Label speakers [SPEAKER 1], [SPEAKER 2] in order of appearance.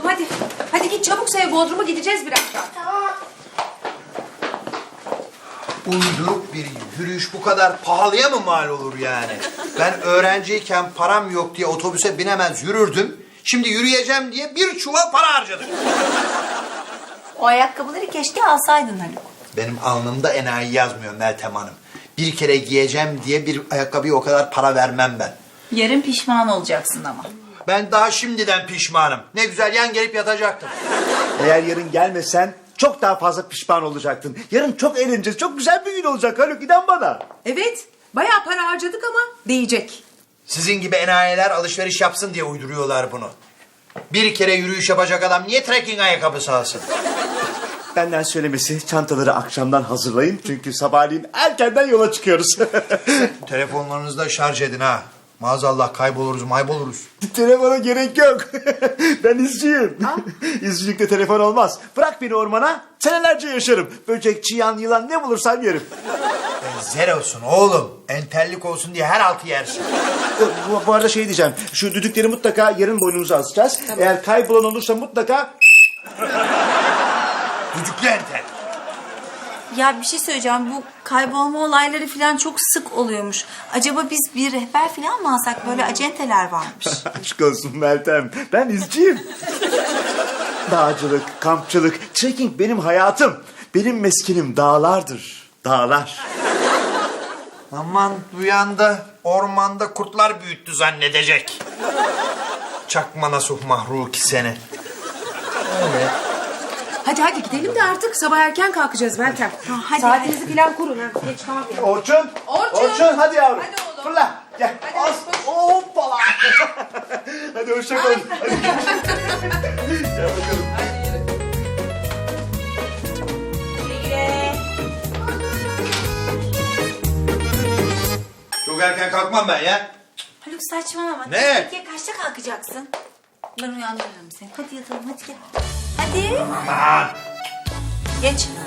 [SPEAKER 1] hadi. Hadi git çabuk Sev, Bodrum'a gideceğiz birazdan.
[SPEAKER 2] Tamam.
[SPEAKER 3] Uyduruk bir yürüyüş bu kadar pahalıya mı mal olur yani? Ben öğrenciyken param yok diye otobüse binemez yürürdüm. Şimdi yürüyeceğim diye bir çuval para harcadım.
[SPEAKER 2] O ayakkabıları keşke alsaydın Haluk.
[SPEAKER 3] Benim alnımda enayi yazmıyor Meltem Hanım. Bir kere giyeceğim diye bir ayakkabıya o kadar para vermem ben.
[SPEAKER 2] Yarın pişman olacaksın ama.
[SPEAKER 3] Ben daha şimdiden pişmanım. Ne güzel yan gelip yatacaktım.
[SPEAKER 4] Eğer yarın gelmesen çok daha fazla pişman olacaktın. Yarın çok eğleneceğiz. Çok güzel bir gün olacak Haluk, inan bana.
[SPEAKER 1] Evet, bayağı para harcadık ama değecek.
[SPEAKER 3] Sizin gibi enayiler alışveriş yapsın diye uyduruyorlar bunu. Bir kere yürüyüş yapacak adam niye trekking ayakkabısı alsın?
[SPEAKER 4] Benden söylemesi, çantaları akşamdan hazırlayın. Çünkü sabahleyin erkenden yola çıkıyoruz.
[SPEAKER 3] Telefonlarınızı da şarj edin ha. Maazallah kayboluruz mayboluruz.
[SPEAKER 4] Telefona gerek yok. Ben izciyim. İzcilikte telefon olmaz. Bırak beni ormana, senelerce yaşarım. Böcek, çıyan, yılan ne bulursam yerim.
[SPEAKER 3] Zer olsun oğlum. Entellik olsun diye her altı yersin.
[SPEAKER 4] Bu arada şey diyeceğim. Şu düdükleri mutlaka yarın boynumuza asacağız. Eğer kaybolan olursa mutlaka...
[SPEAKER 3] Düdüklü entel.
[SPEAKER 2] Ya bir şey söyleyeceğim. Bu kaybolma olayları falan çok sık oluyormuş. Acaba biz bir rehber falan mı alsak? Böyle acenteler varmış.
[SPEAKER 4] Aşk olsun Meltem. Ben izciyim. Dağcılık, kampçılık, trekking benim hayatım. Benim meskenim dağlardır. Dağlar.
[SPEAKER 3] Aman duyan da ormanda kurtlar büyüttü zannedecek. Çakma nasuh mahruki seni.
[SPEAKER 1] Hadi hadi gidelim de artık sabah erken kalkacağız Meltem.
[SPEAKER 2] hadi,
[SPEAKER 1] Saatinizi falan kurun ha. Geç kalmayalım.
[SPEAKER 4] Orçun.
[SPEAKER 1] Orçun.
[SPEAKER 4] hadi yavrum.
[SPEAKER 1] Hadi oğlum.
[SPEAKER 4] Fırla. Gel.
[SPEAKER 1] Hadi,
[SPEAKER 4] As.
[SPEAKER 1] koş.
[SPEAKER 4] Hoppala. Hadi hoşça kalın. Hadi. Gel bakalım.
[SPEAKER 3] Çok erken kalkmam ben ya.
[SPEAKER 2] Haluk saçmalama.
[SPEAKER 3] Ne?
[SPEAKER 2] Peki kaçta kalkacaksın? Ben uyandırırım seni. Hadi yatalım, hadi gel. Hadi.
[SPEAKER 3] Aman.
[SPEAKER 2] Geç.